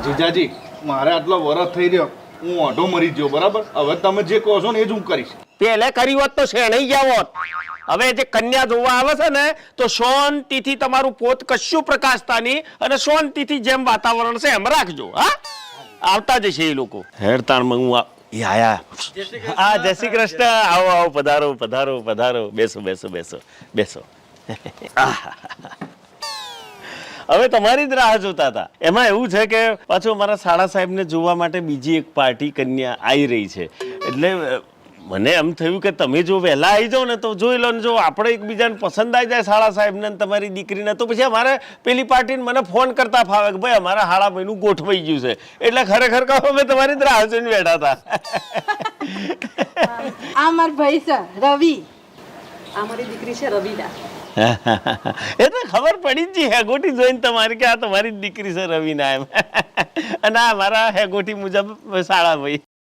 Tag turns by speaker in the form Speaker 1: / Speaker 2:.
Speaker 1: જીજાજી મારે આટલો વરસ થઈ રહ્યો, હું ઓઢો મરી ગયો બરાબર. હવે તમે જે કહો છો ને એ જ હું કરીશ.
Speaker 2: પેલે કરી હોત તો શેણાઈ ગયા હોત. હવે જે કન્યા જોવા આવે છે ને તો શાંતિથી તમારું પોત કશું પ્રકાશતા નહીં અને શાંતિથી જેમ વાતાવરણ છે એમ રાખજો. હા, આવતા જશે એ લોકો. હેડતાણમાં હું એ આયા. હા, જય શ્રી કૃષ્ણ. આવો આવો, પધારો પધારો પધારો. બેસો બેસો બેસો બેસો. હવે તમારી જ રાહ જોતા હતા. એમાં એવું છે કે પાછું અમારા શાળા સાહેબને જોવા માટે બીજી એક પાર્ટી કન્યા આવી રહી છે. એટલે મને એમ થયું કે તમે જો વહેલા આવી જાઓ ને તો જોઈ લો ને, જો આપણે એકબીજાને પસંદ આવી જાય શાળા સાહેબને તમારી દીકરીને, તો પછી અમારે પેલી પાર્ટીને મને ફોન કરતા ફાવે કે ભાઈ અમારા હાળા ભાઈનું ગોઠવાઈ ગયું છે. એટલે ખરેખર કહો અમે તમારી જ રાહ જોઈને બેઠા હતા.
Speaker 3: આ માર ભાઈ છે રવિ.
Speaker 4: આ મારી દીકરી છે રવિના.
Speaker 2: એ તો ખબર પડી જ હેગોટી જોઈને તમારી કે આ તમારી જ દીકરી છે રવિના એમ. અને આ મારા હેગોટી મુજબ શાળા ભાઈ.